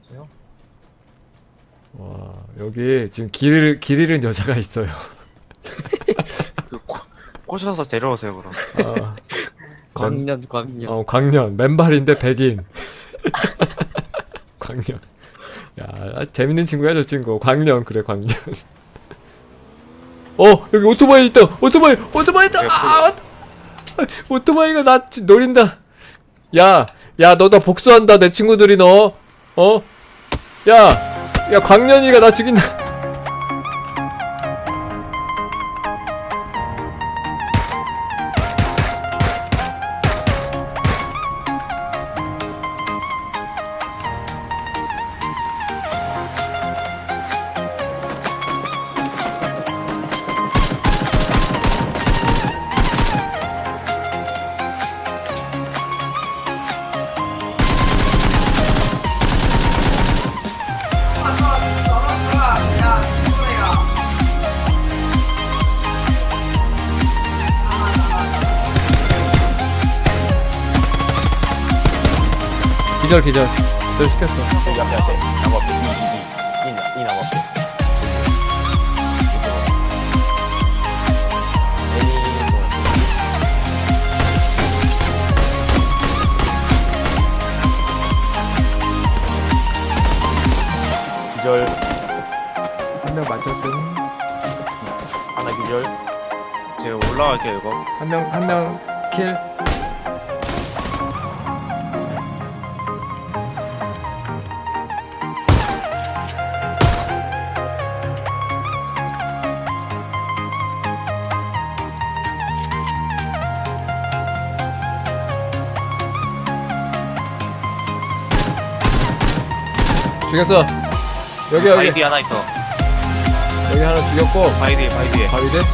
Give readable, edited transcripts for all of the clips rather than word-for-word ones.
없어요. 와, 여기 지금 길 잃은 여자가 있어요. 그 꼬셔서 데려오세요 그럼. 아, 광년 광년. 광년. 맨발인데 백인. 광년. 야, 재밌는 친구야, 저 친구. 광년, 그래, 광년. 여기 오토바이 있다! 오토바이 있다! 아! 오토바이가 나 노린다! 야, 너 나 복수한다, 내 친구들이 너. 야, 광년이가 나 죽인다. 기절 시켰어. 여기 앞에 나무 앞에 이 나무 앞에. 기절. 한 명 맞췄음. 하나 기절. 제가 올라갈게요 이거. 한 명 킬. 죽였어. 여기 바이디 하나 있어. 여기 하나 죽였고. 바이디에. 바위 돼? 이 앞에 있는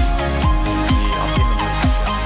거.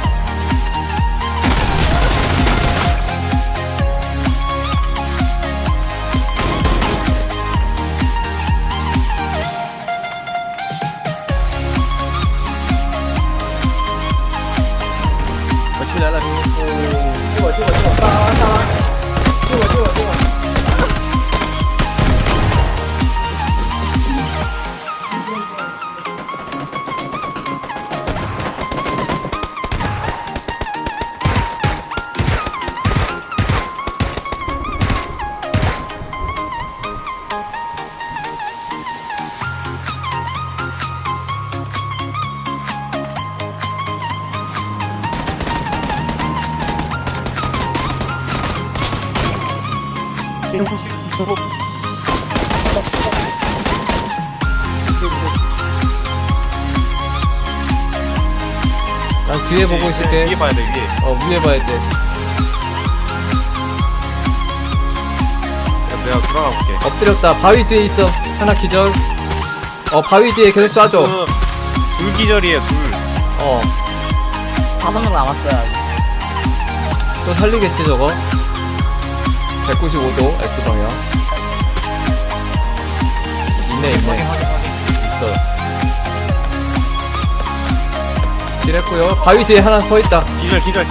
난 뒤에 보고 있을게. 위에 봐야 돼 위에. 위에 봐야 돼. 내가 들어가 볼게. 엎드렸다. 바위 뒤에 있어. 하나 기절. 바위 뒤에 계속 쏴줘. 둘 기절이에요 둘. 5명 남았어요. 또 살리겠지 저거. 195도 S방향. 있네. 있어. 딜했고요. 바위 뒤에 하나 서 있다. 기절.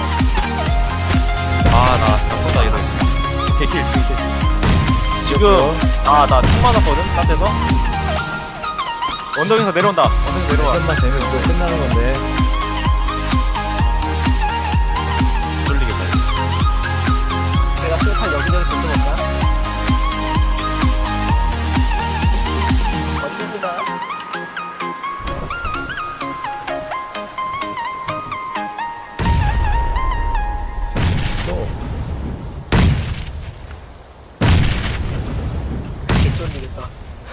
나 쏜다 이거. 대킬. 지금 나 총 맞았거든 딴 데서. 언덕에서 내려온다. 끝만 되면 이거 끝나는 건데. 돌리겠다. 제가 실판 여기저기 던져볼까? 멋집니다. 개쫄리겠다.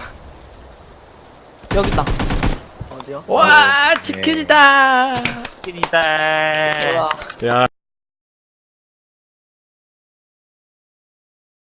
여기 있다. 어디요? 와, 치킨이다. 킬이다. 와. 야.